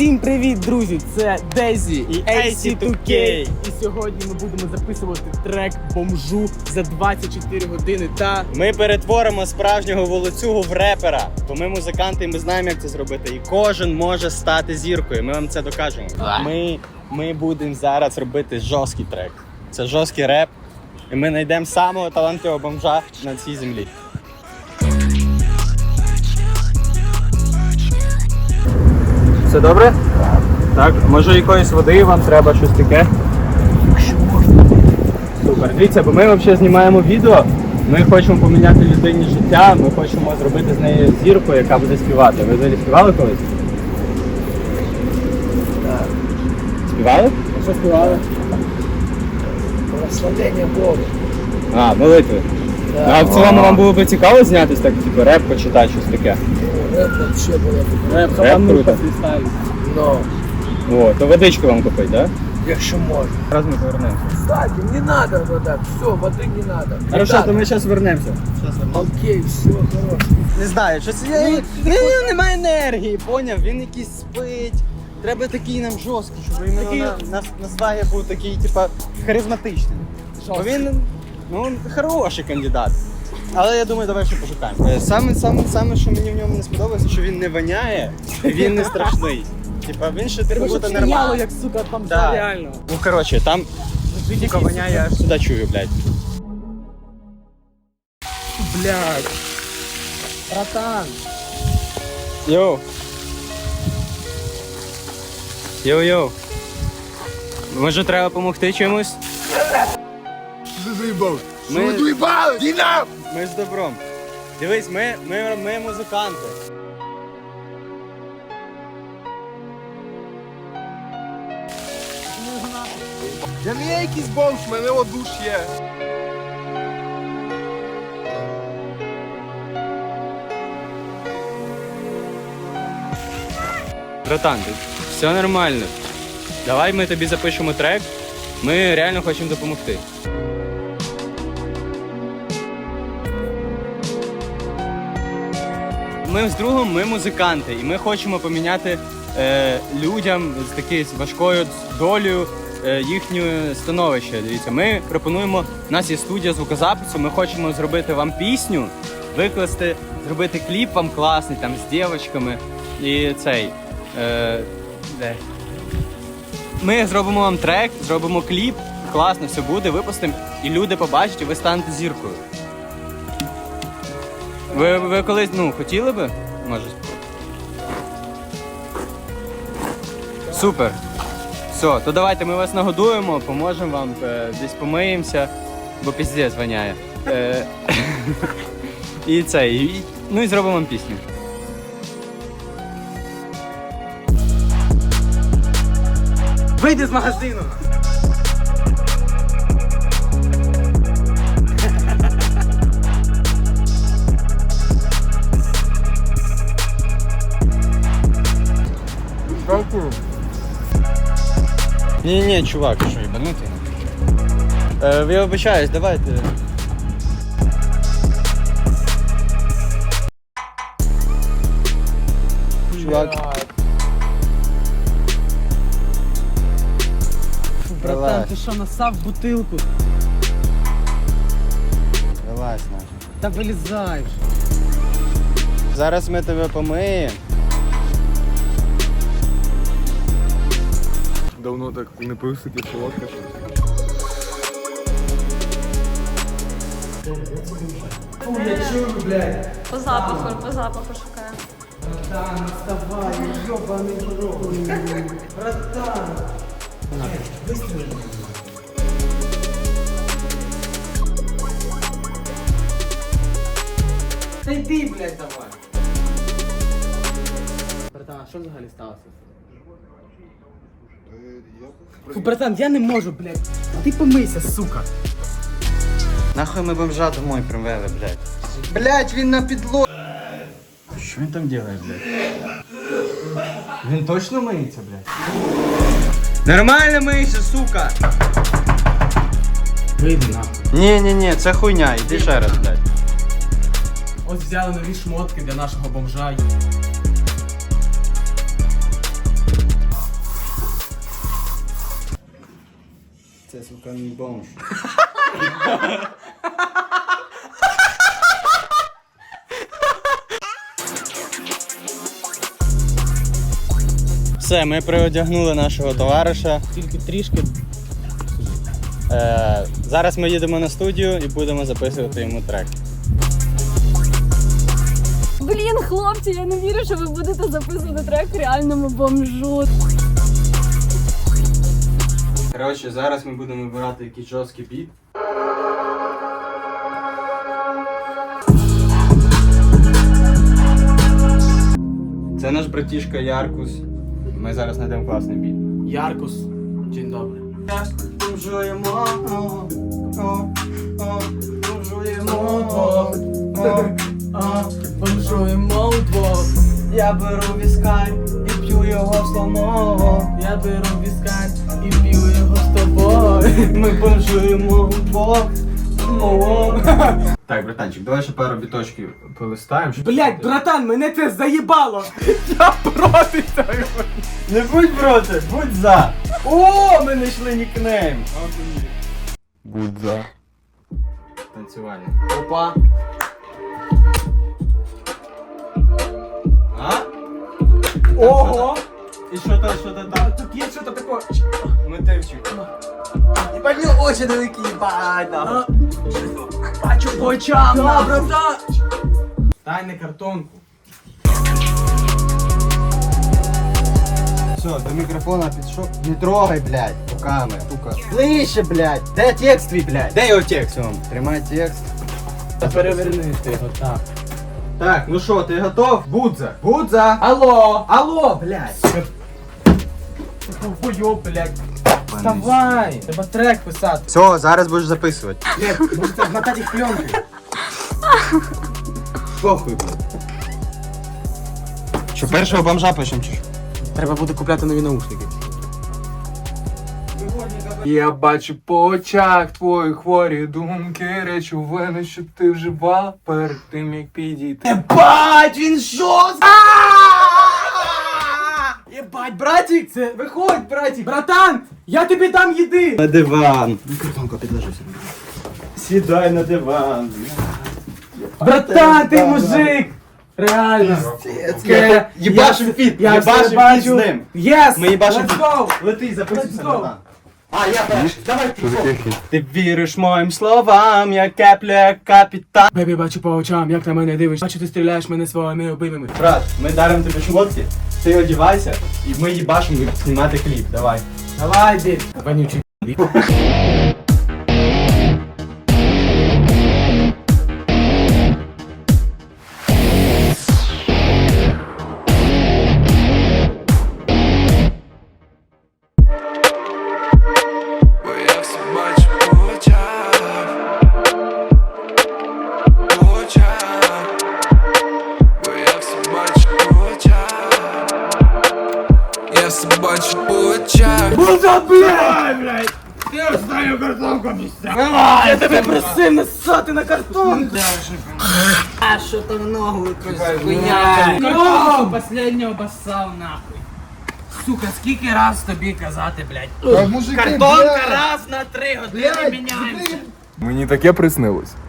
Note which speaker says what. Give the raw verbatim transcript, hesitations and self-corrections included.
Speaker 1: Всім привіт, друзі! Це Дезі
Speaker 2: і ей сі ту кей.
Speaker 1: І сьогодні ми будемо записувати трек бомжу за двадцять чотири години та...
Speaker 2: Ми перетворимо справжнього волоцюгу в репера. Бо ми музиканти і ми знаємо, як це зробити. І кожен може стати зіркою. Ми вам це докажемо. Ми, ми будемо зараз робити жорсткий трек. Це жорсткий реп. І ми знайдемо самого талантливого бомжа на цій землі. Все добре? Так, може якоїсь води вам треба, щось таке?
Speaker 1: Якщо можна.
Speaker 2: Супер. Дивіться, бо ми взагалі знімаємо відео, ми хочемо поміняти людині життя, ми хочемо зробити з неї зірку, яка буде співати. Ви взагалі співали колись?
Speaker 1: Так.
Speaker 2: Співали?
Speaker 1: А що співали? Прославлення Богу.
Speaker 2: А, молитви.
Speaker 1: Да.
Speaker 2: А в цілому вам було б цікаво знятись, так, типу, реп почитати, щось таке?
Speaker 1: Реп вообще було.
Speaker 2: Реп, реп круто.
Speaker 1: Но.
Speaker 2: О, то водичку вам купить, так?
Speaker 1: Якщо можна.
Speaker 2: Зараз ми повернемося.
Speaker 1: Кстати, не надо вода, все, води не надо.
Speaker 2: Хорошо, то ми зараз вернемося.
Speaker 1: Окей, все, хорошо.
Speaker 2: Не знаю, щось я... Ну, в нього немає енергії, поняв? Він якийсь спить. Треба такий нам жорсткий, щоб іменно
Speaker 1: Такий-
Speaker 2: на, на, на свагі був такий, типа, харизматичний. Бо він, ну, хороший кандидат. Але я думаю, давай ще пошукаємо. Е, Саме, саме, саме, що мені в ньому не сподобалося, що він не воняє, і він не страшний. Типа, він ще
Speaker 1: Треба,
Speaker 2: буде
Speaker 1: щоб
Speaker 2: нормально.
Speaker 1: сміяло, як, сука, там
Speaker 2: Да.
Speaker 1: реально.
Speaker 2: Ну, коротше, там тільки воняє, я аж сюди чую, блядь.
Speaker 1: Блядь. Братан.
Speaker 2: Йоу. Йоу-йоу. Може треба допомогти чимось?
Speaker 3: Ти заїбав?
Speaker 2: Ми-
Speaker 3: Що ви доїбали? Діна!
Speaker 2: Ми з добром. Дивись, ми, ми, ми музиканти.
Speaker 3: Я не є якийсь бомж, в мене от душ є.
Speaker 2: Братан, все нормально. Давай ми тобі запишемо трек. Ми реально хочемо допомогти. Ми з другом, ми музиканти, і ми хочемо поміняти е, людям з такою важкою долею е, їхнє становище. Дивіться, ми пропонуємо, у нас є студія звукозапису, ми хочемо зробити вам пісню, викласти, зробити кліп вам класний, там, з дівчатками і цей. Е, де? Ми зробимо вам трек, зробимо кліп, класно все буде, випустимо, і люди побачать, і ви станете зіркою. Ви, ви колись, ну, хотіли би? Може. Супер. Все, то давайте ми вас нагодуємо, поможемо вам, е, десь помиємося, бо піздець воняє. Е, і це, і, ну і зробимо вам пісню.
Speaker 1: Вийди з магазину.
Speaker 2: Ні-ні, чувак, що їбанутий? Е, я вибачаюсь, давайте. Чувак.
Speaker 1: Фу, братан,
Speaker 2: Давай.
Speaker 1: ти що, насав бутилку?
Speaker 2: Вилазь, нахуй.
Speaker 1: Та вилізай вже.
Speaker 2: Зараз ми тебе помиємо.
Speaker 3: Давно так не пив таке солодке щось.
Speaker 1: Фу, я чую, блядь.
Speaker 4: По запаху, по запаху шукаю.
Speaker 1: Братан, вставай, ёбаный в рот. Братан. Выстрели. Та йди, блядь, давай. Братан, а що взагалі сталося? Фу, братан, я не можу, блядь. А ти помийся, сука.
Speaker 2: Нахуй ми бомжа домой привели, блядь. Блядь, він на підло... Що він там робить, блядь? Він точно миється, блядь? Нормально мийся, сука!
Speaker 1: Вийди нахуй.
Speaker 2: Ні-ні-ні, це хуйня, іди ще раз, блядь.
Speaker 1: Ось взяли нові шмотки для нашого бомжа.
Speaker 2: сука, не бомж. Все, ми приодягнули нашого товариша.
Speaker 1: Тільки трішки.
Speaker 2: Е, зараз ми їдемо на студію і будемо записувати йому трек.
Speaker 4: Блін, хлопці, я не вірю, що ви будете записувати трек реальному бомжу.
Speaker 2: Коротше, зараз ми будемо вибирати якийсь жорсткий біт. Це наш братішка Яркус. Ми зараз знайдемо класний біт.
Speaker 1: Яркус. День добрий.
Speaker 2: Бомжуємо,
Speaker 1: Бомжуємо удвох.
Speaker 2: Я беру віскар і п'ю його слонового.
Speaker 1: Я беру віскар і п'ю його з тобою.
Speaker 2: Ми бомжуємо удвох. Так, братанчик, давай ще пару біточків полистаємо. щоб-
Speaker 1: Блять, братан, мене це заїбало! Я проти цього!
Speaker 2: Не будь проти, будь за. О, ми знайшли нікнейм.
Speaker 3: Будь за.
Speaker 2: Танцювальний.
Speaker 1: Опа!
Speaker 2: А?
Speaker 1: Ого!
Speaker 2: І що там, що там там?
Speaker 1: Тут є щось таке.
Speaker 2: Мотивчик.
Speaker 1: Ебать, ну очі великі, ебать, да. Бачу по очам, да, братан! Дай не картонку.
Speaker 2: Все, до мікрофона підійшов. Не трогай, блядь, руками, сука. Ближче, блядь. Де текст твій, блядь? Де його текст? Вон, тримай текст.
Speaker 1: Та переверни ти його, так.
Speaker 2: Так, ну що, ти готов? Будза. Будза.
Speaker 1: Алло!
Speaker 2: Алло, блядь.
Speaker 1: Хуйо, блядь. Вставай! Треба трек писати.
Speaker 2: Все, зараз будеш записувати.
Speaker 1: Блядь, може це вмотати їх пленки.
Speaker 2: Похуй, блядь. Що, першого бомжа пишем чи що?
Speaker 1: Треба буде купляти нові наушники.
Speaker 3: Я бачу по очах твої хворі думки, речовини, що ти вживав перед тим, як підійти.
Speaker 1: Єбать, він жорсткий! Єбать, братик, це виходь, братик. Братан, я тобі дам їди.
Speaker 2: На диван. Картонку підложися. Сідай на диван.
Speaker 1: Братан, ти мужик. Реально.
Speaker 2: Я їбашим фіт,
Speaker 1: Я все
Speaker 2: їбашим фіт з
Speaker 1: бачу.
Speaker 2: ним.
Speaker 1: Єс!
Speaker 2: Ми їбашим
Speaker 1: Let's
Speaker 2: фіт.
Speaker 1: go!
Speaker 2: Лети, записуйся,
Speaker 1: Let's go.
Speaker 2: братан. А, я перший. Давай ти.
Speaker 3: Що таке хід?
Speaker 2: Ти віриш моїм словам, як капля, як капітан.
Speaker 1: Бебі, бачу по очам, як на мене дивиш. Бачу, ти стріляєш мене своїми обіймами.
Speaker 2: Брат, ми даримо тобі шмотки, ти одівайся, і ми їбашимо знімати кліп. Давай.
Speaker 1: Давай, дід. Вонючий.
Speaker 5: Бо я все бачу по очах, по очах, бо я все бачу по очах, я все бачу по очах.
Speaker 1: Буза, блядь! блядь! Я останню картонку обіцяв! Я тебе просив насати на картонку!
Speaker 6: А що там ногу якось хуйня?
Speaker 1: Ногу!
Speaker 6: Последнього басав нахуй. Сука, скільки раз тобі казати, блядь?
Speaker 3: Мужики,
Speaker 6: Картонка раз на три години міняємося.
Speaker 3: Мені таке приснилось.